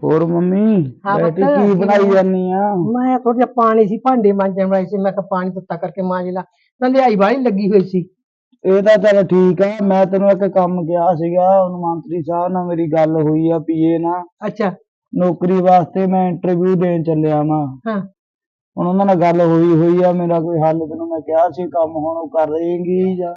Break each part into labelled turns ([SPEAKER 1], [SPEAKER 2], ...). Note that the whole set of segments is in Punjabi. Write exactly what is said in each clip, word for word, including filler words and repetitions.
[SPEAKER 1] ਹੋਰ ਮੰਮੀ
[SPEAKER 2] हाँ
[SPEAKER 1] बेटी
[SPEAKER 2] पुत्त
[SPEAKER 1] की बनाई
[SPEAKER 2] किवें
[SPEAKER 1] जानी आ?
[SPEAKER 2] मैं थोड़ा जिहा पानी सी भांडे मांजण वाले सी मैं कहा पानी तत्ता करके मांज ला नंदिहाई वाली लगी हुई सी।
[SPEAKER 1] ਇਹ ਤਾਂ ਚੱਲ ਠੀਕ ਆ। ਮੈਂ ਤੈਨੂੰ ਇੱਕ ਕੰਮ ਕਿਹਾ ਸੀਗਾ, ਉਹਨੂੰ ਮੰਤਰੀ ਸਾਹਿਬ ਨਾਲ ਮੇਰੀ ਗੱਲ ਹੋਈ ਆ ਪੀਏ ਨਾਲ।
[SPEAKER 2] अच्छा
[SPEAKER 1] ਨੌਕਰੀ ਵਾਸਤੇ ਮੈਂ ਇੰਟਰਵਿਊ ਦੇਣ ਚੱਲਿਆ ਵਾਂ।
[SPEAKER 2] हाँ
[SPEAKER 1] ਹੁਣ ਉਹਨਾਂ ਨਾਲ ਗੱਲ ਹੋਈ ਹੋਈ ਆ, ਮੇਰਾ ਕੋਈ ਹੱਲ ਤੈਨੂੰ ਮੈਂ ਕਿਹਾ ਸੀ ਕੰਮ ਹੁਣ ਉਹ ਕਰ ਦੇਂਗੀ ਜਾਂ?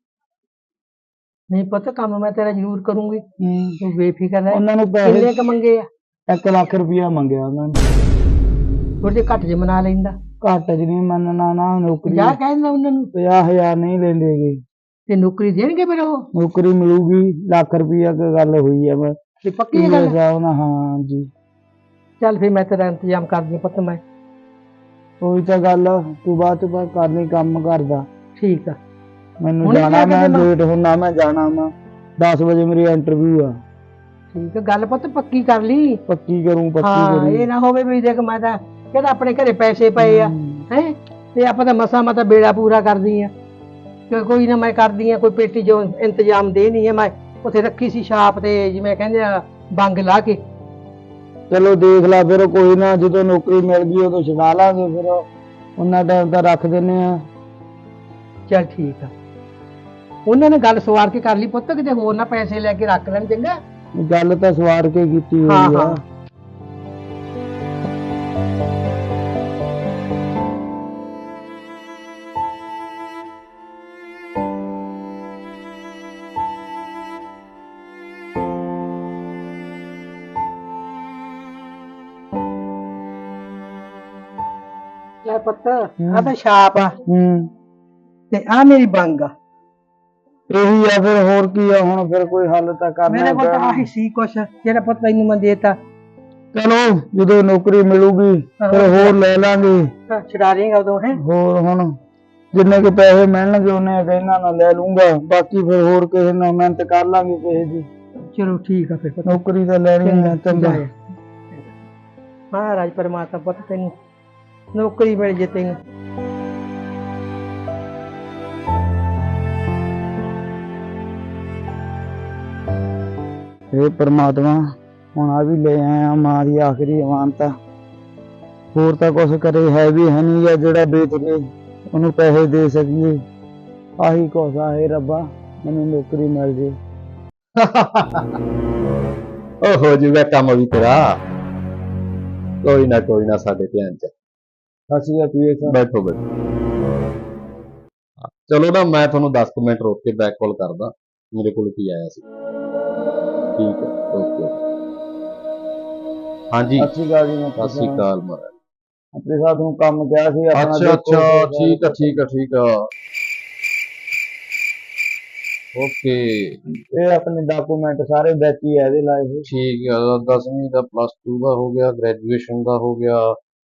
[SPEAKER 2] नहीं पता काम मैं तेरा जरूर करूंगी
[SPEAKER 1] ਹੂੰ।
[SPEAKER 2] तू बेफिक्र रह।
[SPEAKER 1] ਉਹਨਾਂ ਨੂੰ
[SPEAKER 2] किन्ने
[SPEAKER 1] ਪੈਸੇ
[SPEAKER 2] क मंगे आ?
[SPEAKER 1] ਇੱਕ ਲੱਖ ਰੁਪਇਆ ਮੰਗਿਆ ਉਹਨਾਂ ਨੇ।
[SPEAKER 2] थोड़े जे घट जे मना लैंदा
[SPEAKER 1] ਘੱਟ ਚ ਨਹੀਂ ਮੰਨਣਾ ਨਾ, ਨੌਕਰੀ
[SPEAKER 2] ਪੰਜਾਹ ਕਹਿ ਦਿੰਦਾ ਉਹਨਾਂ ਨੂੰ
[SPEAKER 1] ਪੰਜਾਹ ਹਜ਼ਾਰ ਨਹੀਂ ਲੈਂਦੇਗੇ।
[SPEAKER 2] ਤੇ ਨੌਕਰੀ ਦੇਣਗੇ ਫਿਰ ਉਹ
[SPEAKER 1] ਨੌਕਰੀ ਮਿਲੂਗੀ ਲੱਖ ਰੁਪਇਆ ਕੀ ਗੱਲ ਹੋਈ ਆ। ਮੈਂ
[SPEAKER 2] ਤੇ ਪੱਕੀ ਇਹ ਗੱਲ ਹੈ?
[SPEAKER 1] ਸਾਹਿਬ ਨਾਲ ਹਾਂ ਜੀ।
[SPEAKER 2] ਚੱਲ ਫਿਰ ਮੈਂ ਤੇਰਾ ਇੰਤਜ਼ਾਮ ਕਰਦੀ ਹਾਂ ਪੁੱਤ। ਮੈਂ
[SPEAKER 1] ਉਹੀ ਤਾਂ ਗੱਲ ਆ, ਤੂੰ ਬਾਅਦ ਚ ਬਾਅਦ ਕਰਨੀ ਕੰਮ ਕਰਦਾ।
[SPEAKER 2] ਠੀਕ ਆ
[SPEAKER 1] ਮੈਨੂੰ
[SPEAKER 2] ਹੁਣੇ
[SPEAKER 1] ਜਾਣਾ,
[SPEAKER 2] ਜਾ ਕੇ
[SPEAKER 1] ਮੈਂ
[SPEAKER 2] ਦੇਵਾਂ?
[SPEAKER 1] ਲੇਟ ਹੁੰਨਾ, ਮੈਂ ਜਾਣਾ ਵਾ ਦਸ ਵਜੇ ਮੇਰੀ ਇੰਟਰਵਿਊ ਆ।
[SPEAKER 2] ਠੀਕ ਆ ਗੱਲ ਪੁੱਤ ਪੱਕੀ ਕਰ ਲਈ।
[SPEAKER 1] ਪੱਕੀ ਕਰੂੰ ਪੱਕੀ
[SPEAKER 2] ਹਾਂ
[SPEAKER 1] ਕਰੂੰ।
[SPEAKER 2] ਇਹ ਨਾ ਹੋਵੇ ਵੀ ਦੇਖ ਮੈਂ ਤਾਂ ਕਹਿੰਦਾ ਆਪਣੇ ਘਰੇ ਪੈਸੇ ਪਏ ਆ
[SPEAKER 1] ਹੂੰ।
[SPEAKER 2] ਹੈ ਤੇ ਆਪਾਂ ਤਾਂ ਮਸਾ ਮਤਾ ਬੇੜਾ ਪੂਰਾ ਕਰਦੀ ਆ ਕਿ ਕੋਈ ਨਾ ਮੈਂ ਕਰਦੀ ਆ ਕੋਈ ਪੇਟੀ ਜੋ ਇੰਤਜ਼ਾਮ ਦੇ ਨਹੀਂ ਹੈ। ਮੈਂ ਉੱਥੇ ਰੱਖੀ ਸੀ ਛਾਪ ਤੇ ਜਿਵੇਂ ਕਹਿੰਦੇ ਆ ਬੰਗ ਲਾ ਕੇ।
[SPEAKER 1] ਚਲੋ ਦੇਖ ਲਾ ਫਿਰ ਕੋਈ ਨਾ, ਜਦੋਂ ਨੌਕਰੀ ਮਿਲ ਗਈ ਉਦੋਂ ਛਡਾ ਲਾਂਗੇ। ਫਿਰ ਉਹਨਾਂ ਟਾਈਮ ਤਾਂ ਰੱਖ ਦਿੰਨੇ ਆ।
[SPEAKER 2] ਚੱਲ ਠੀਕ ਆ ਉਹਨਾਂ ਨੇ ਗੱਲ ਸਵਾਰ ਕੇ ਕਰ ਲਈ ਪੁੱਤ, ਕਿਤੇ ਹੋਰ ਨਾ ਪੈਸੇ ਲੈ ਕੇ ਰੱਖ ਲੈਣ। ਚੰਗਾ
[SPEAKER 1] ਗੱਲ ਤਾਂ ਸਵਾਰ ਕੇ ਕੀਤੀ
[SPEAKER 2] ਹਾਂ
[SPEAKER 1] ਹੋਈ ਆ।
[SPEAKER 2] ਹਾਂ ਲੈ ਪੁੱਤ ਆ ਤਾਂ ਛਾਪ ਆ
[SPEAKER 1] ਹੂੰ।
[SPEAKER 2] ਤੇ ਆ ਮੇਰੀ ਬੰਗ ਆ।
[SPEAKER 1] ਇਹੀ ਆ ਫਿਰ, ਹੋਰ ਕੀ ਆ ਹੁਣ? ਫਿਰ ਕੋਈ ਹੱਲ ਤਾਂ ਕਰਨਾ
[SPEAKER 2] ਮੇਰੇ ਕੋਲ ਤਾਂ
[SPEAKER 1] ਪੈਣਾ।
[SPEAKER 2] ਆਹੀ ਸੀ ਕੁਛ ਜਿਹੜਾ ਪੁੱਤ ਤੈਨੂੰ ਮੈਂ ਦੇਤਾ।
[SPEAKER 1] ਚਲੋ ਜਦੋਂ ਨੌਕਰੀ ਮਿਲੂਗੀ ਫਿਰ ਹੋਰ ਲੈ ਲਾਂਗੇ।
[SPEAKER 2] ਹਾਂ, ਛੁਡਾ ਦੇਂਗਾ ਉਦੋਂ ਹੈ।
[SPEAKER 1] ਹੋਰ ਹੁਣ ਜਿੰਨੇ ਕੁ ਪੈਸੇ ਮਿਲਣਗੇ ਉਹਨੇ ਇਹਨਾਂ ਨਾਲ ਲੈ ਲੂੰਗਾ, ਬਾਕੀ ਫਿਰ ਹੋਰ ਕਿਸੇ ਨਾਲ ਮਿਹਨਤ ਕਰ ਲਾਂਗੇ ਕਿਸੇ ਦੀ।
[SPEAKER 2] ਚਲੋ ਠੀਕ ਆ ਫਿਰ ਪੁੱਤ।
[SPEAKER 1] ਨੌਕਰੀ ਤਾਂ ਲੈਣੀ ਹੈ। ਚੰਗਾ
[SPEAKER 2] ਮਹਾਰਾਜ ਪਰਮਾਤਮਾ ਪੁੱਤ ਤੈਨੂੰ ਨੌਕਰੀ ਮਿਲ ਜੇ ਤੈਨੂੰ।
[SPEAKER 1] ਇਹ ਪਰਮਾਤਮਾ ਹੁਣ ਆ ਵੀ ਲੈ ਆਇਆ ਮਾਂ ਦੀ ਆਖਰੀ ਅਮਾਨਤ। ਹੋਰ ਤਾਂ ਕੁਛ ਕਰੇ ਹੈ ਵੀ ਹੈ ਨਹੀਂ ਗਾ ਜਿਹੜਾ ਵੇਚ ਕੇ ਉਹਨੂੰ ਪੈਸੇ ਦੇ ਸਕੀਏ। ਆਹੀ ਕੁਛ ਆ। ਇਹ ਰੱਬਾ ਮੈਨੂੰ ਨੌਕਰੀ ਮਿਲ ਜੇ।
[SPEAKER 3] ਉਹ ਹੋ ਜੂਗਾ ਕੰਮ ਵੀ ਤੇਰਾ। ਕੋਈ ਨਾ ਕੋਈ ਨਾ ਸਾਡੇ ਧਿਆਨ ਚ।
[SPEAKER 1] ਅਸੀਂ ਪੀਏ ਸਾਹਿਬ
[SPEAKER 3] ਬੈਠੋ ਬੈਠੋ। ਚਲੋ ਨਾ ਮੈਂ ਤੁਹਾਨੂੰ ਦਸ ਕੁ ਮਿੰਟ ਰੋਕ ਕੇ ਬੈਕ ਕਾਲ ਕਰਦਾ। ਮੇਰੇ ਕੋਲ ਕੀ ਆਇਆ ਸੀ। ਠੀਕ ਹੈ ਓਕੇ। ਹਾਂਜੀ
[SPEAKER 1] ਸਤਿ ਸ਼੍ਰੀ ਅਕਾਲ ਜੀ। ਮੈਂ
[SPEAKER 3] ਸਤਿ ਸ਼੍ਰੀ ਅਕਾਲ ਮਹਾਰਾਜ।
[SPEAKER 1] ਆਪਣੇ ਸਾਹਿਬ ਨੂੰ ਕੰਮ ਕਿਹਾ ਸੀ ਆਪਣਾ।
[SPEAKER 3] ਅੱਛਾ ਅੱਛਾ ਠੀਕ ਆ ਠੀਕ ਆ ਠੀਕ ਆ ਓਕੇ।
[SPEAKER 1] ਇਹ ਆਪਣੇ ਡਾਕੂਮੈਂਟ ਸਾਰੇ ਵਿੱਚ ਹੀ ਆ ਇਹਦੇ ਲਾਏ ਹੋਏ।
[SPEAKER 3] ਠੀਕ ਆ ਦਸਵੀਂ ਦਾ ਪਲੱਸ ਟੂ ਦਾ ਹੋ ਗਿਆ, ਗ੍ਰੈਜੂਏਸ਼ਨ ਦਾ ਹੋ ਗਿਆ।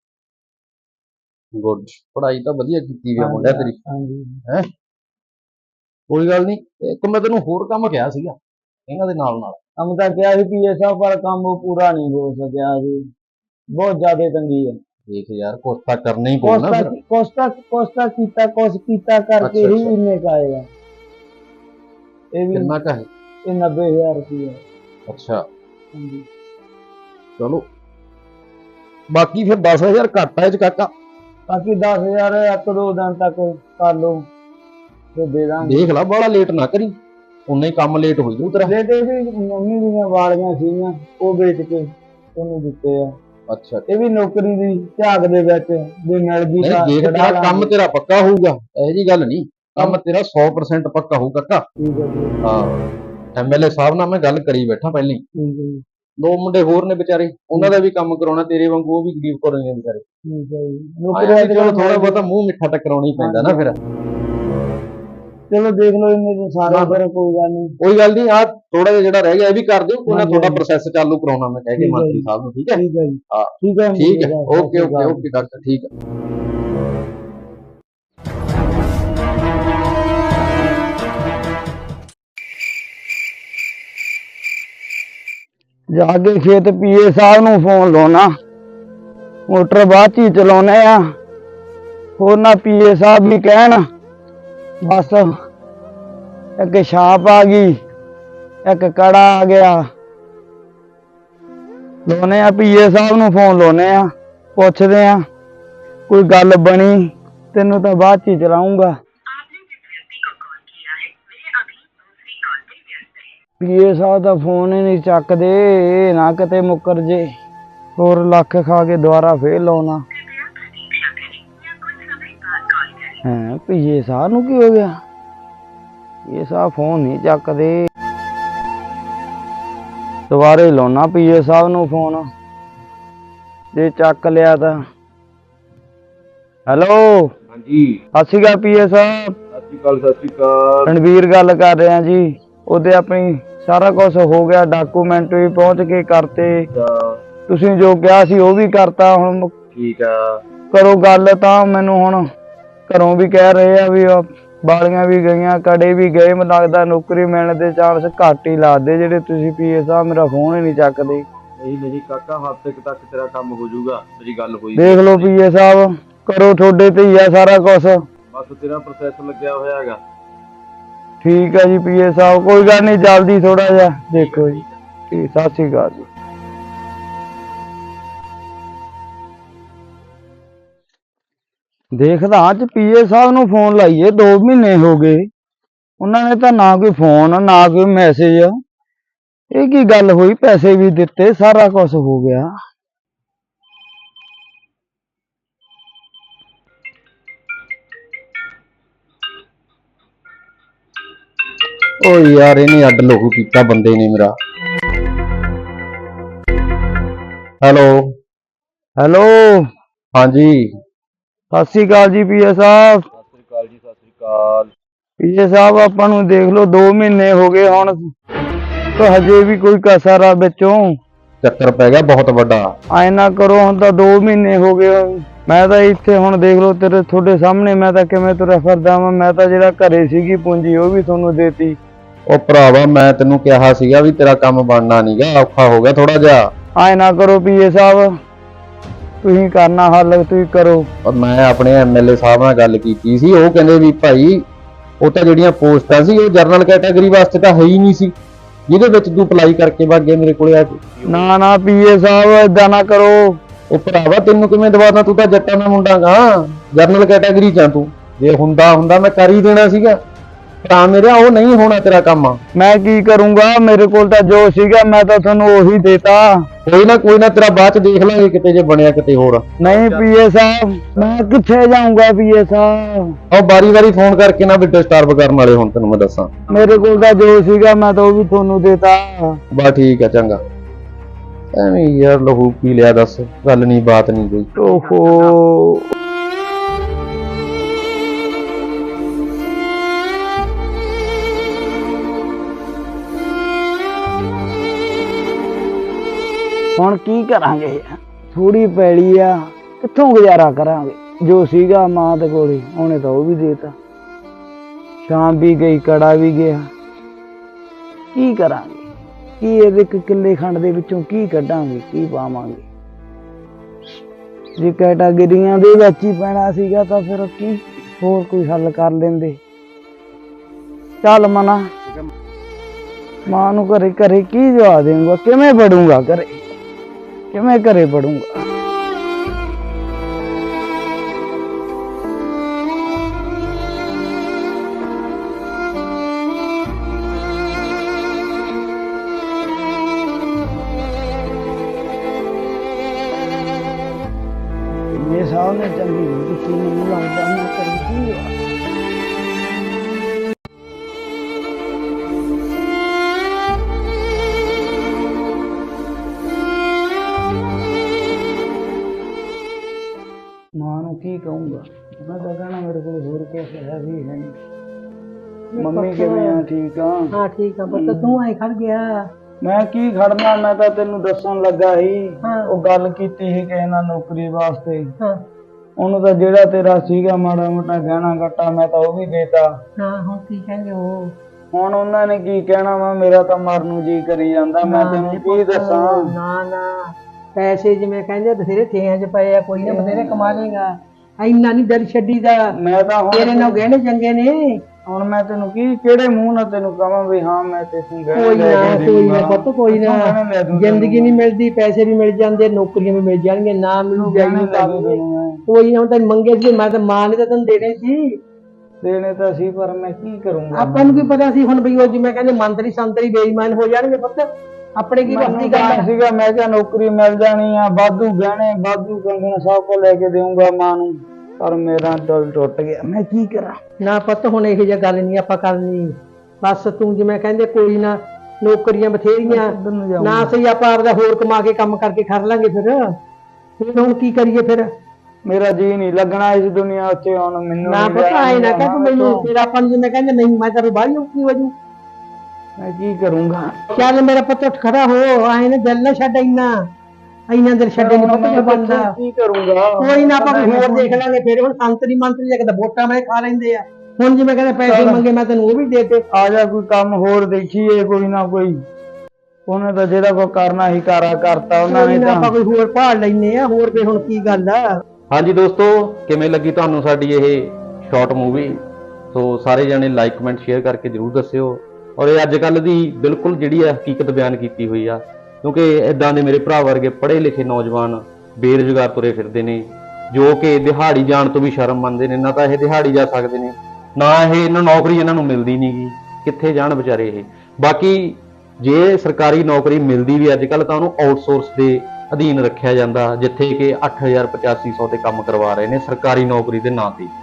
[SPEAKER 3] ਗੁੱਡ ਪੜ੍ਹਾਈ ਤਾਂ ਵਧੀਆ ਕੀਤੀ ਵੀ ਮੁੰਡਿਆ ਤੇਰੀ।
[SPEAKER 1] ਹਾਂਜੀ
[SPEAKER 3] ਹੈ ਕੋਈ ਗੱਲ ਨਹੀਂ। ਇੱਕ ਮੈਂ ਤੈਨੂੰ ਹੋਰ ਕੰਮ ਕਿਹਾ ਸੀਗਾ ਇਹਨਾਂ ਦੇ ਨਾਲ ਨਾਲ।
[SPEAKER 1] ਕੰਮ ਤਾਂ ਕਿਹਾ ਸੀ ਪੀਏ ਸਾਹਿਬ, ਪਰ ਕੰਮ ਉਹ ਪੂਰਾ ਨਹੀਂ ਹੋ ਸਕਿਆ ਜੀ। ਬਹੁਤ ਜ਼ਿਆਦਾ ਤੰਗੀ ਹੈ।
[SPEAKER 3] ਦੇਖ ਯਾਰ ਕੁਛ ਤਾਂ ਕਰਨਾ ਹੀ ਪਊ ਨਾ ਫਿਰ।
[SPEAKER 1] ਕੋਸਤਾ ਕੋਸਤਾ ਕੀਤਾ ਕੁਛ ਕੀਤਾ ਕਰਕੇ
[SPEAKER 3] ਅੱਛਾ,
[SPEAKER 1] ਹੀ
[SPEAKER 3] ਅੱਛਾ।
[SPEAKER 1] ਇੰਨੇ ਕੁ ਆਏਗਾ। ਇਹ ਵੀ
[SPEAKER 3] ਕਿੰਨਾ ਕਾ ਹੈ?
[SPEAKER 1] ਇਹ ਨੱਬੇ ਹਜ਼ਾਰ ਰੁਪਇਆ।
[SPEAKER 3] ਅੱਛਾ
[SPEAKER 1] ਹਾਂਜੀ
[SPEAKER 3] ਚਲੋ ਬਾਕੀ ਫਿਰ ਦਸ ਹਜ਼ਾਰ ਘੱਟ ਆ ਇਹ ਚ ਕਾਕਾ।
[SPEAKER 1] ਬਾਕੀ ਦਸ ਹਜ਼ਾਰ ਇੱਕ ਦੋ ਦਿਨ ਤੱਕ ਕਰ ਲਓ ਤੇ ਦੇ ਦਾਂਗੇ।
[SPEAKER 3] ਦੇਖ ਲਾ ਬੜਾ ਲੇਟ ਨਾ ਕਰੀ, ਉਨਾ ਹੀ ਕੰਮ ਲੇਟ ਹੋ ਜਾਊ ਤੇਰਾ।
[SPEAKER 1] ਦੇ ਦੇ ਵੀ ਮੰਮੀ ਦੀਆਂ ਵਾਲੀਆਂ ਸੀਗੀਆਂ ਉਹ ਵੇਚ ਕੇ ਉਹਨੂੰ ਦਿੱਤੇ ਆ।
[SPEAKER 3] ਅੱਛਾ
[SPEAKER 1] ਇਹ ਵੀ ਨੌਕਰੀ ਦੀ ਝਾਕ ਦੇ ਵਿੱਚ ਵੀ ਮਿਲ ਗਈ
[SPEAKER 3] ਨਹੀਂ
[SPEAKER 1] ਤਾਂ
[SPEAKER 3] ਦੇਖ
[SPEAKER 1] ਛਡਾ
[SPEAKER 3] ਤੇਰਾ
[SPEAKER 1] ਲਾਂਗੇ।
[SPEAKER 3] ਕੰਮ ਤੇਰਾ ਪੱਕਾ ਹੋਊਗਾ, ਇਹੋ ਜੀ ਗੱਲ ਨਹੀਂ। ਕੰਮ ਤੇਰਾ ਸੌ ਪਰਸੈਂਟ ਪੱਕਾ ਹੋਊ ਕਾਕਾ।
[SPEAKER 1] ਠੀਕ ਹੈ ਜੀ
[SPEAKER 3] ਹਾਂ ਐਮਐਲਏ ਸਾਹਿਬ ਨਾਲ ਮੈਂ ਗੱਲ ਕਰੀ ਬੈਠਾ ਪਹਿਲਾਂ ਹੀ।
[SPEAKER 1] ਠੀਕ ਹੈ ਜੀ
[SPEAKER 3] ਦੋ ਮੁੰਡੇ ਹੋਰ ਨੇ ਵਿਚਾਰੇ, ਉਹਨਾਂ ਦਾ ਵੀ ਕੰਮ ਕਰਾਉਣਾ ਤੇਰੇ ਵਾਂਗੂ। ਉਹ ਵੀ ਗਰੀਬ ਘਰੋਂ ਨੇ ਵਿਚਾਰੇ।
[SPEAKER 1] ਠੀਕ ਹੈ ਜੀ
[SPEAKER 3] ਆਇਆ
[SPEAKER 1] ਨੌਕਰੀ
[SPEAKER 3] ਵੀ ਚਲੋ ਥੋੜਾ ਬਹੁਤਾ ਮੂੰਹ ਮਿੱਠਾ ਤਾਂ ਕਰਾਉਣਾ ਹੀ ਪੈਂਦਾ ਨਾ ਫਿਰ।
[SPEAKER 1] ਚਲੋ ਦੇਖ ਲਓ ਇਹਨੇ ਦੇ ਸਾਰੇ ਫਿਰ ਕੋਈ ਗੱਲ ਨਹੀਂ।
[SPEAKER 3] ਕੋਈ ਗੱਲ ਨਹੀਂ। ਆ ਥੋੜਾ ਜਿਹਾ ਜਿਹੜਾ ਰਹਿ ਗਿਆ ਇਹ ਵੀ ਕਰ ਦਿਓ। ਕੋਈ ਨਾ
[SPEAKER 1] ਹਾਂਜੀ,
[SPEAKER 3] ਤੁਹਾਡਾ
[SPEAKER 1] ਹਾਂਜੀ।
[SPEAKER 3] ਪ੍ਰੋਸੈਸ ਚਾਲੂ ਕਰਾਉਣਾ ਮੈਂ ਕਹਿ ਕੇ
[SPEAKER 1] ਠੀਕ ਹੈ
[SPEAKER 3] ਮੰਤਰੀ
[SPEAKER 1] ਜੀ।
[SPEAKER 3] ਸਾਹਿਬ ਨੂੰ। ਠੀਕ ਹੈ
[SPEAKER 1] ਠੀਕ ਹੈ ਜੀ
[SPEAKER 3] ਹਾਂ
[SPEAKER 1] ਠੀਕ ਹੈ
[SPEAKER 3] ਠੀਕ ਹੈ
[SPEAKER 1] ਸਤਿ
[SPEAKER 3] ਓਕੇ
[SPEAKER 1] ਸ਼੍ਰੀ
[SPEAKER 3] ਓਕੇ
[SPEAKER 1] ਅਕਾਲ।
[SPEAKER 3] ਓਕੇ ਡਾਕਟਰ ਠੀਕ ਹੈ।
[SPEAKER 1] ਜਾ ਕੇ ਖੇਤ ਪੀਏ ਸਾਹਿਬ ਨੂੰ ਫੋਨ ਲਾਉਣਾ। ਮੋਟਰ ਬਾਅਦ ਚ ਹੀ ਚਲਾਉਣੇ ਆ। ਹੋਰ ਨਾ ਪੀਏ ਸਾਹਿਬ ਵੀ ਕਹਿਣ ਬਸ ਇੱਕ ਛਾਪ ਆ ਗਈ, ਇੱਕ ਕੜਾ ਆ ਗਿਆ। ਲਾਉਨੇ ਆ ਪੀਏ ਸਾਹਿਬ ਨੂੰ ਫੋਨ ਲਾਉਨੇ ਆ, ਪੁੱਛਦੇ ਆ ਕੋਈ ਗੱਲ ਬਣੀ ਤੈਨੂੰ ਤਾਂ ਬਾਅਦ ਚ ਹੀ ਚਲਾਉਂਗਾ। ਪੀਏ ਸਾਹਿਬ ਦਾ ਫੋਨ ਹੀ ਨਹੀਂ ਚੱਕਦੇ, ਇਹ ਨਾ ਕਿਤੇ ਮੁੱਕਰ ਜੇ, ਹੋਰ ਲੱਖ ਖਾ ਕੇ ਦੁਬਾਰਾ ਫੇਰ ਲਾਉਣਾ। ਹੈ ਪੀਏ ਸਾਹਿਬ ਨੂੰ ਕੀ ਹੋ ਗਿਆ? ਪੀਏ ਸਾਹਿਬ ਫੋਨ ਨਹੀਂ ਚੱਕਦੇ, ਦੁਬਾਰੇ ਲਾਉਣਾ ਪੀਏ ਸਾਹਿਬ ਨੂੰ ਫੋਨ, ਜੇ ਚੱਕ ਲਿਆ ਤਾਂ। ਹੈਲੋ
[SPEAKER 3] ਹਾਂਜੀ,
[SPEAKER 1] ਸਤਿ ਸ਼੍ਰੀ ਅਕਾਲ ਪੀਏ ਸਾਹਿਬ।
[SPEAKER 3] ਸਤਿ ਸ਼੍ਰੀ ਅਕਾਲ। ਸਤਿ ਸ਼੍ਰੀ ਅਕਾਲ।
[SPEAKER 1] ਰਣਵੀਰ ਗੱਲ ਕਰ ਰਿਹਾ ਜੀ। ਉਹਦੇ ਆਪਣੀ ਸਾਰਾ ਕੁਝ ਹੋ ਗਿਆ, ਡਾਕੂਮੈਂਟ ਵੀ ਪਹੁੰਚ ਕੇ ਕਰਤੇ, ਤੁਸੀਂ ਜੋ ਕਿਹਾ ਸੀ ਉਹ ਵੀ ਕਰਤਾ। ਹੁਣ
[SPEAKER 3] ਠੀਕ ਆ,
[SPEAKER 1] ਕਰੋ ਗੱਲ। ਤਾਂ ਮੈਨੂੰ ਹੁਣ ਘਰੋਂ ਵੀ ਕਹਿ ਰਹੇ ਆ ਵੀ ਬਾਲੀਆਂ ਵੀ ਗਈਆਂ, ਕੜੇ ਵੀ ਗਏ, ਮੈਨੂੰ ਲੱਗਦਾ ਨੌਕਰੀ ਮਿਲਣ ਦੇ ਚਾਂਸ ਘੱਟ ਹੀ ਲੱਗਦੇ ਜਿਹੜੇ ਤੁਸੀਂ ਪੀਏ ਸਾਹਿਬ ਮੇਰਾ ਫੋਨ ਹੀ ਨਹੀਂ ਚੱਕਦੇ।
[SPEAKER 3] ਨਹੀਂ ਨਹੀਂ ਕਾਕਾ, ਹਫ਼ਤੇ ਤੱਕ ਤੇਰਾ ਕੰਮ ਹੋ ਜਾਊਗਾ, ਮੇਰੀ ਗੱਲ ਹੋਈ।
[SPEAKER 1] ਦੇਖ ਲਓ ਪੀਏ ਸਾਹਿਬ, ਕਰੋ, ਤੁਹਾਡੇ ਤੇ ਹੀ ਆ ਸਾਰਾ ਕੁਛ।
[SPEAKER 3] ਬਸ ਤੇਰਾ ਪ੍ਰੋਸੈਸ ਲੱਗਿਆ ਹੋਇਆ ਹੈਗਾ।
[SPEAKER 1] ਠੀਕ ਹੈ ਜੀ ਪੀਏ ਸਾਹਿਬ, ਕੋਈ ਗੱਲ ਨਹੀਂ, ਜਲਦੀ ਥੋੜਾ ਜਿਹਾ ਦੇਖੋ ਜੀ। ਠੀਕ, ਸਤਿ ਸ਼੍ਰੀ ਅਕਾਲ ਜੀ। ਦੇਖਦਾ ਅੱਜ ਪੀਏ ਸਾਹਿਬ ਨੂੰ ਫੋਨ ਲਾਈਏ, ਦੋ ਮਹੀਨੇ ਹੋ ਗਏ, ਉਹਨਾਂ ਨੇ ਤਾਂ ਨਾ ਕੋਈ ਫੋਨ ਨਾ ਕੋਈ ਮੈਸੇਜ। ਇਹ ਕੀ ਗੱਲ ਹੋਈ? ਪੈਸੇ ਵੀ ਦਿੱਤੇ, ਸਾਰਾ ਕੁਝ ਹੋ ਗਿਆ।
[SPEAKER 3] ਓ ਯਾਰ ਇਹਨੇ ਅੱਡ ਲਹੂ ਪੀਤਾ ਬੰਦੇ ਨੇ ਮੇਰਾ। ਹੈਲੋ
[SPEAKER 1] ਹੈਲੋ
[SPEAKER 3] ਹਾਂਜੀ,
[SPEAKER 1] ਸਤਿ ਸ਼੍ਰੀ ਅਕਾਲ ਜੀ ਪੀਏ ਸਾਹਿਬ।
[SPEAKER 3] ਸਤਿ ਸ੍ਰੀ ਅਕਾਲ ਜੀ। ਸਤਿ ਸ੍ਰੀ ਅਕਾਲ
[SPEAKER 1] ਪੀਏ ਸਾਹਿਬ, ਆਪਾਂ ਨੂੰ ਦੇਖ ਲਓ ਦੋ ਮਹੀਨੇ ਹੋ ਗਏ ਹੁਣ, ਤਾਂ ਹਜੇ ਵੀ ਕੋਈ ਕਸਰ ਆ ਵਿੱਚੋਂ?
[SPEAKER 3] ਚੱਕਰ ਪੈ ਗਿਆ ਬਹੁਤ ਵੱਡਾ।
[SPEAKER 1] ਐ ਨਾ ਕਰੋ, ਹੁਣ ਤਾਂ ਦੋ ਮਹੀਨੇ ਹੋ ਗਏ, ਮੈਂ ਤਾਂ ਇੱਥੇ ਹੁਣ ਦੇਖ ਲਓ ਤੇਰੇ ਤੁਹਾਡੇ ਸਾਹਮਣੇ ਮੈਂ ਤਾਂ ਕਿਵੇਂ ਤੁਰਿਆ ਫਿਰਦਾ ਵਾਂ। ਮੈਂ ਤਾਂ ਜਿਹੜਾ ਘਰੇ ਸੀਗੀ ਪੂੰਜੀ ਉਹ ਵੀ ਤੁਹਾਨੂੰ ਦੇਤੀ।
[SPEAKER 3] ਉਹ ਭਰਾਵਾ, ਮੈਂ ਤੈਨੂੰ ਕਿਹਾ ਸੀਗਾ ਵੀ ਤੇਰਾ ਕੰਮ ਬਣਨਾ ਨਹੀਂਗਾ, ਔਖਾ ਹੋ ਗਿਆ ਥੋੜਾ ਜਿਹਾ।
[SPEAKER 1] ਐ ਨਾ ਕਰੋ ਪੀਏ ਸਾਹਿਬ, ਤੁਸੀਂ ਕਰਨਾ ਹੱਲ, ਤੁਸੀਂ ਕਰੋ।
[SPEAKER 3] ਔਰ ਮੈਂ ਆਪਣੇ ਐਮਐਲਏ ਸਾਹਿਬ ਨਾਲ ਗੱਲ ਕੀਤੀ ਸੀ, ਉਹ ਕਹਿੰਦੇ ਵੀ ਭਾਈ ਉਹ ਤਾਂ ਜਿਹੜੀਆਂ ਪੋਸਟਾਂ ਸੀ ਉਹ ਜਰਨਲ ਕੈਟਾਗਰੀ ਵਾਸਤੇ ਤਾਂ ਹੈ ਹੀ ਨਹੀਂ ਸੀ, ਜਿਹਦੇ ਵਿੱਚ ਤੂੰ ਅਪਲਾਈ ਕਰਕੇ ਵਗ ਗਿਆ ਮੇਰੇ ਕੋਲੇ ਆ ਕੇ।
[SPEAKER 1] ਨਾ ਨਾ ਪੀਏ ਸਾਹਿਬ, ਏਦਾਂ ਨਾ ਕਰੋ।
[SPEAKER 3] ਉਹ ਭਰਾਵਾ ਤੈਨੂੰ ਕਿਵੇਂ ਦਵਾਦਾ, ਤੂੰ ਤਾਂ ਜੱਟਾਂ ਦਾ ਮੁੰਡਾ ਗਾ, ਜਰਨਲ ਕੈਟਾਗਰੀ ਚ ਆ ਤੂੰ। ਜੇ ਹੁੰਦਾ ਹੁੰਦਾ ਮੈਂ ਕਰ ਹੀ ਦੇਣਾ ਸੀਗਾ, ਭਰਾ ਮੇਰਾ ਉਹ ਨਹੀਂ ਹੋਣਾ ਤੇਰਾ ਕੰਮ।
[SPEAKER 1] ਮੈਂ ਕੀ ਕਰੂੰਗਾ, ਮੇਰੇ ਕੋਲ ਤਾਂ ਜੋ ਸੀਗਾ ਮੈਂ ਤਾਂ ਤੁਹਾਨੂੰ ਉਹੀ ਦੇਤਾ।
[SPEAKER 3] ਕੋਈ ਨਾ ਕੋਈ ਨਾ, ਤੇਰਾ ਬਾਅਦ ਚ ਦੇਖ ਲਾਂਗੇ ਕਿਤੇ ਜੇ ਬਣਿਆ ਕਿਤੇ ਹੋਰ।
[SPEAKER 1] ਨਹੀਂ ਪੀਏ ਸਾਹਿਬ, ਮੈਂ ਕਿੱਥੇ ਜਾਊਂਗਾ ਪੀਏ ਸਾਹਿਬ?
[SPEAKER 3] ਉਹ ਬਾਰੀ ਬਾਰੀ ਫੋਨ ਕਰਕੇ ਨਾ ਵੀ ਡਿਸਟਰਬ ਕਰਨ ਵਾਲੇ ਹੁਣ ਤੈਨੂੰ ਮੈਂ ਦੱਸਾਂ।
[SPEAKER 1] ਮੇਰੇ ਕੋਲ ਤਾਂ ਜੋ ਸੀਗਾ ਮੈਂ ਤਾਂ ਉਹ ਵੀ ਤੁਹਾਨੂੰ ਦੇਤਾ।
[SPEAKER 3] ਬਸ ਠੀਕ ਆ, ਚੰਗਾ। ਐਵੇਂ ਯਾਰ ਲਹੂ ਪੀ ਲਿਆ, ਦੱਸ ਗੱਲ ਨਹੀਂ ਬਾਤ ਨਹੀਂ ਕੋਈ।
[SPEAKER 1] ਓਹੋ, ਹੁਣ ਕੀ ਕਰਾਂਗੇ? ਥੋੜੀ ਪੈਲੀ ਆ, ਕਿੱਥੋਂ ਗੁਜ਼ਾਰਾ ਕਰਾਂਗੇ? ਜੋ ਸੀਗਾ ਮਾਂ ਦੇ ਕੋਲੇ ਉਹਨੇ ਤਾਂ ਉਹ ਵੀ ਦੇਤਾ, ਸ਼ਾਮ ਵੀ ਗਈ, ਕੜਾ ਵੀ ਗਿਆ। ਕੀ ਕਰਾਂਗੇ? ਕੀ ਇਹਦੇ ਇੱਕ ਕਿੱਲੇ ਖੰਡ ਦੇ ਵਿੱਚੋਂ ਕੀ ਕੱਢਾਂਗੇ, ਕੀ ਪਾਵਾਂਗੇ? ਜੇ ਕੈਟਾਗਰੀਆਂ ਦੇ ਵਿੱਚ ਹੀ ਪੈਣਾ ਸੀਗਾ ਤਾਂ ਫਿਰ ਕੀ ਹੋਰ ਕੋਈ ਹੱਲ ਕਰ ਲੈਂਦੇ। ਚੱਲ ਮਨਾ, ਮਾਂ ਨੂੰ ਘਰੇ ਘਰੇ ਕੀ ਜਵਾਬ ਦੇਵਾਂਗਾ? ਕਿਵੇਂ ਪੜੂੰਗਾ ਘਰੇ, ਕਿਵੇਂ ਘਰੇ ਪੜੂੰਗਾ? ਇਹ ਸਾਲ ਨੇ ਚੰਗੀ ਦਿੱਤੀ, ਮੈਨੂੰ ਲੱਗਦਾ ਮੈਂ ਕਰੀ ਕੀ ਆ। ਮਾਂ ਨੂੰ ਕੀ ਕਹੂੰਗਾ? ਮੈਂ ਤਾਂ ਕਹਿਣਾ ਮੇਰੇ ਕੋਲ ਹੋਰ ਕੁਛ ਹੈ ਵੀ ਹੈ ਨਹੀਂ। ਮੰਮੀ ਕਿਵੇਂ ਆ? ਠੀਕ ਆ?
[SPEAKER 2] ਹਾਂ ਠੀਕ ਆ ਪੁੱਤ, ਤੂੰ ਆਈ ਖੜ ਗਿਆ।
[SPEAKER 1] ਮੈਂ ਕੀ ਖੜਨਾ, ਮੈਂ ਤਾਂ ਤੈਨੂੰ ਦੱਸਣ ਲੱਗਾ ਸੀ।
[SPEAKER 2] ਹਾਂ।
[SPEAKER 1] ਉਹ ਗੱਲ ਕੀਤੀ ਸੀ ਕਿਸੇ ਨਾਲ ਨੌਕਰੀ ਵਾਸਤੇ,
[SPEAKER 2] ਹਾਂ
[SPEAKER 1] ਉਹਨੂੰ ਤਾਂ ਜਿਹੜਾ ਤੇਰਾ ਸੀਗਾ ਮਾੜਾ ਮੋਟਾ ਗਹਿਣਾ ਗੱਟਾ ਮੈਂ ਤਾਂ ਉਹ ਵੀ ਦੇਤਾ।
[SPEAKER 2] ਹਾਂ, ਹੁਣ ਕੀ ਕਹਿੰਦੇ ਉਹ?
[SPEAKER 1] ਹੁਣ ਉਹਨਾਂ ਨੇ ਕੀ ਕਹਿਣਾ ਵਾ, ਮੇਰਾ ਤਾਂ ਮਰਨ ਨੂੰ ਜੀ ਕਰੀ ਜਾਂਦਾ। ਮੈਂ ਤੈਨੂੰ ਕੀ ਦੱਸਾਂ?
[SPEAKER 2] ਨਾ ਨਾ, ਪੈਸੇ ਜਿਵੇਂ ਕਹਿੰਦੇ ਬਥੇਰੇ ਥੇਆਂ 'ਚ ਪਏ ਆ, ਕੋਈ ਨਾ ਬਥੇਰੇ ਕਮਾ ਲੇਗਾ। ਇੰਨਾ ਨਹੀਂ ਦਿਲ ਛੱਡੀਦਾ।
[SPEAKER 1] ਮੈਂ ਤਾਂ ਹੁਣ
[SPEAKER 2] ਤੇਰੇ ਨਾਲ ਗਹਿਣੇ ਚੰਗੇ ਨੇ,
[SPEAKER 1] ਹੁਣ ਮੈਂ ਤੈਨੂੰ ਕੀ ਕਿਹੜੇ ਮੂੰਹ ਨਾਲ ਤੈਨੂੰ ਕਹਾਂ ਵੀ ਹਾਂ ਮੈਂ ਤੈਨੂੰ ਗਹਿਣੇ
[SPEAKER 2] ਕੋਈ
[SPEAKER 1] ਲੈ
[SPEAKER 2] ਨਾ
[SPEAKER 1] ਕੇ
[SPEAKER 2] ਕੋਈ ਨਾ
[SPEAKER 1] ਦੇਊਂਗਾ।
[SPEAKER 2] ਪੁੱਤ ਕੋਈ ਨਾ
[SPEAKER 1] ਗਹਿਣੇ ਲੈ ਦੂੰ
[SPEAKER 2] ਜ਼ਿੰਦਗੀ ਨਹੀਂ ਮਿਲਦੀ, ਪੈਸੇ ਵੀ ਮਿਲ ਜਾਂਦੇ, ਨੌਕਰੀਆਂ ਵੀ ਮਿਲ ਜਾਣਗੀਆਂ, ਨਾ ਮਿਲੂ ਜਾਈ
[SPEAKER 1] ਗਹਿਣੇ
[SPEAKER 2] ਨੂੰ
[SPEAKER 1] ਲੈ
[SPEAKER 2] ਕੰਮ
[SPEAKER 1] ਕੇ
[SPEAKER 2] ਨਹੀਂ।
[SPEAKER 1] ਦੇਣੇ ਆ।
[SPEAKER 2] ਕੋਈ ਨਾ ਹੁਣ ਤੈਨੂੰ ਮੰਗੇ ਸੀ, ਮੈਂ ਤਾਂ ਮਾਂ ਨੇ ਤਾਂ ਤੈਨੂੰ ਦੇਣੇ ਸੀ।
[SPEAKER 1] ਦੇਣੇ ਤਾਂ ਸੀ ਪਰ ਮੈਂ ਕੀ ਕਰੂੰਗਾ।
[SPEAKER 2] ਆਪਾਂ ਨੂੰ ਕੀ ਪਤਾ ਸੀ ਹੁਣ ਵੀ ਉਹ ਜਿਵੇਂ ਕਹਿੰਦੇ ਮੰਤਰੀ ਸੰਤਰੀ ਬੇਈਮਾਨ ਹੋ ਜਾਣਗੇ ਪੁੱਤ, ਆਪਣੇ ਕੀ
[SPEAKER 1] ਮੈਨੂੰ
[SPEAKER 2] ਵਸਦੀ ਗੱਲ
[SPEAKER 1] ਤਾਂ
[SPEAKER 2] ਹੈ।
[SPEAKER 1] ਸੀਗਾ ਮੈਂ ਕਿਹਾ ਨੌਕਰੀ ਮਿਲ ਜਾਣੀ ਆ, ਵਾਧੂ ਗਹਿਣੇ ਵਾਧੂ ਕੰਗਣ ਸਭ ਕੋ ਲੈ ਕੇ ਦੇਊਂਗਾ ਮਾਂ ਨੂੰ, ਪਰ ਮੇਰਾ ਦਿਲ ਟੁੱਟ ਗਿਆ, ਮੈਂ ਕੀ ਕਰਾਂ।
[SPEAKER 2] ਨਾ ਪੁੱਤ ਹੁਣ ਇਹੋ ਜਿਹੀ ਗੱਲ ਨਹੀਂ ਆਪਾਂ ਕਰਨੀ, ਬਸ ਤੂੰ ਜਿਵੇਂ ਕਹਿੰਦੇ ਕੋਈ ਨਾ, ਨੌਕਰੀਆਂ ਬਥੇਰੀਆਂ,
[SPEAKER 1] ਕਿੱਧਰ ਨੂੰ ਜਾਊਂਗਾ?
[SPEAKER 2] ਨਾ ਸਹੀ ਆਪਾਂ ਆਪਦਾ ਹੋਰ ਕਮਾ ਕੇ ਕੰਮ ਕਰਕੇ ਖੜ ਲਾਂਗੇ ਫਿਰ ਫਿਰ ਹੁਣ ਕੀ ਕਰੀਏ ਫਿਰ।
[SPEAKER 1] ਮੇਰਾ ਜੀ ਨਹੀਂ ਲੱਗਣਾ ਇਸ ਦੁਨੀਆ ਉੱਤੇ ਹੁਣ ਮੈਨੂੰ
[SPEAKER 2] ਨਾ
[SPEAKER 1] ਨੀ
[SPEAKER 2] ਪੁੱਤ
[SPEAKER 1] ਰਹਿਣਾ
[SPEAKER 2] ਆਏ ਨਾ ਕਹਿ ਤੂੰ ਮੈਨੂੰ,
[SPEAKER 1] ਮੈਂ
[SPEAKER 2] ਫਿਰ ਆਪਾਂ ਨੂੰ ਜਿਵੇਂ ਕਹਿੰਦੇ ਨਹੀਂ ਮੈਂ ਤਾਂ ਬਾਹਰ ਉੱਕੀ ਵਜੂ।
[SPEAKER 1] ਮੈਂ ਕੀ ਕਰੂੰਗਾ।
[SPEAKER 2] ਚੱਲ ਮੇਰਾ ਪੁੱਤ ਉੱਠ ਖੜਾ ਹੋ, ਆਏ ਨਾ ਦਿਲ ਨਾ ਛੱਡ ਇੰਨਾ, ਇੰਨਾ ਦਿਲ ਛੱਡੇ ਨਹੀਂ ਪੁੱਤ ਬੰਦਾ।
[SPEAKER 1] ਕੀ ਕਰੂੰਗਾ।
[SPEAKER 2] ਕੋਈ ਨਾ ਆਪਾਂ ਕੋਈ ਹੋਰ ਦੇਖ ਲਾਂਗੇ ਫਿਰ, ਹੁਣ ਸੰਤਰੀ ਮੰਤਰੀ ਜਗਤ ਵੋਟਾਂ ਮੈਂ ਖਾ ਲੈਂਦੇ ਆ, ਹੁਣ ਜਿਵੇਂ ਕਹਿੰਦੇ ਪੈਸੇ ਮੰਗੇ ਮੈਂ ਤੈਨੂੰ ਉਹ ਵੀ ਦੇ ਤੇ।
[SPEAKER 1] ਆ ਜਾ ਕੋਈ ਕੰਮ ਹੋਰ ਦੇਖੀਏ, ਕੋਈ ਨਾ ਕੋਈ। ਉਹਨੇ ਤਾਂ ਜਿਹੜਾ ਕੋ ਕਰਨਾ ਹੀ ਕਾਰਾ ਕਰਤਾ ਉਹਨਾਂ
[SPEAKER 2] ਕੋਈ
[SPEAKER 1] ਨੇ
[SPEAKER 2] ਨਾ ਆਪਾਂ
[SPEAKER 1] ਤਾਂ।
[SPEAKER 2] ਕੋਈ ਹੋਰ ਭਾਲ ਲੈਨੇ ਆ, ਹੋਰ ਫਿਰ ਹੁਣ ਕੀ ਗੱਲ ਆ।
[SPEAKER 3] ਹਾਂਜੀ ਦੋਸਤੋ, ਕਿਵੇਂ ਲੱਗੀ ਤੁਹਾਨੂੰ ਸਾਡੀ ਇਹ ਸ਼ਾਰਟ ਮੂਵੀ? ਸੋ ਸਾਰੇ ਜਣੇ ਲਾਈਕ ਕਮੈਂਟ ਸ਼ੇਅਰ ਕਰਕੇ ਜਰੂਰ ਦੱਸਿਓ। ਔਰ ਇਹ ਅੱਜ ਕੱਲ ਦੀ ਬਿਲਕੁਲ ਜਿਹੜੀ ਆ ਹਕੀਕਤ ਬਿਆਨ ਕੀਤੀ ਹੋਈ ਆ, ਕਿਉਂਕਿ ਇਦਾਂ ਦੇ ਮੇਰੇ ਭਰਾ ਵਰਗੇ ਪੜ੍ਹੇ ਲਿਖੇ ਨੌਜਵਾਨ ਬੇਰੁਜ਼ਗਾਰ ਤੁਰੇ ਫਿਰਦੇ ਨੇ, ਜੋ ਕਿ ਦਿਹਾੜੀ ਜਾਣ ਤੋਂ ਵੀ ਸ਼ਰਮ ਮੰਨਦੇ ਨੇ। ਨਾ ਤਾਂ ਇਹ ਦਿਹਾੜੀ ਜਾ ਸਕਦੇ ਨੇ, ਨਾ ਇਹ ਇਹਨਾਂ ਨੌਕਰੀ ਇਹਨਾਂ ਨੂੰ ਮਿਲਦੀ ਨਹੀਂਗੀ, ਕਿੱਥੇ ਜਾਣ ਵਿਚਾਰੇ ਇਹ। ਬਾਕੀ ਜੇ ਸਰਕਾਰੀ ਨੌਕਰੀ ਮਿਲਦੀ ਵੀ ਅੱਜ ਕੱਲ ਤਾਂ ਉਹਨੂੰ ਆਊਟਸੋਰਸ ਦੇ ਅਧੀਨ ਰੱਖਿਆ ਜਾਂਦਾ, ਜਿੱਥੇ ਕਿ ਅੱਠ ਹਜ਼ਾਰ ਪਚਾਸੀ ਸੌ ਤੇ ਕੰਮ ਕਰਵਾ ਰਹੇ ਨੇ ਸਰਕਾਰੀ ਨੌਕਰੀ ਦੇ ਨਾਂ ਤੇ।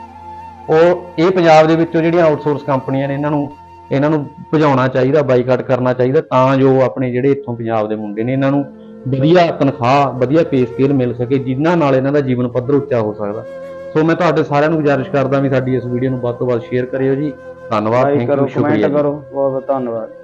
[SPEAKER 3] ਉਹ ਇਹ ਪੰਜਾਬ ਦੇ ਵਿੱਚੋਂ ਜਿਹੜੀਆਂ ਆਊਟਸੋਰਸ ਕੰਪਨੀਆਂ ਨੇ ਇਹਨਾਂ ਨੂੰ ਇਹਨਾਂ ਨੂੰ ਭਜਾਉਣਾ ਚਾਹੀਦਾ, ਬਾਈਕਾਟ ਕਰਨਾ ਚਾਹੀਦਾ, ਤਾਂ ਜੋ ਆਪਣੇ ਜਿਹੜੇ ਇੱਥੋਂ ਪੰਜਾਬ ਦੇ ਮੁੰਡੇ ਨੇ ਇਹਨਾਂ ਨੂੰ ਵਧੀਆ ਤਨਖਾਹ, ਵਧੀਆ ਪੇ ਸਕੇਲ ਮਿਲ ਸਕੇ, ਜਿਨ੍ਹਾਂ ਨਾਲ ਇਹਨਾਂ ਦਾ ਜੀਵਨ ਪੱਧਰ ਉੱਚਾ ਹੋ ਸਕਦਾ। ਸੋ ਮੈਂ ਤੁਹਾਡੇ ਸਾਰਿਆਂ ਨੂੰ ਗੁਜ਼ਾਰਿਸ਼ ਕਰਦਾ ਵੀ ਸਾਡੀ ਇਸ ਵੀਡੀਓ ਨੂੰ ਵੱਧ ਤੋਂ ਵੱਧ ਸ਼ੇਅਰ ਕਰਿਓ ਜੀ। ਧੰਨਵਾਦ,
[SPEAKER 1] ਲਾਈਕ
[SPEAKER 3] ਥੈਂਕ
[SPEAKER 1] ਕਰੋ,
[SPEAKER 3] ਯੂ, ਸ਼ੁਕਰੀਆ
[SPEAKER 1] ਕਮੈਂਟ
[SPEAKER 3] ਜੀ।
[SPEAKER 1] ਕਰੋ, ਬਹੁਤ ਬਹੁਤ ਧੰਨਵਾਦ।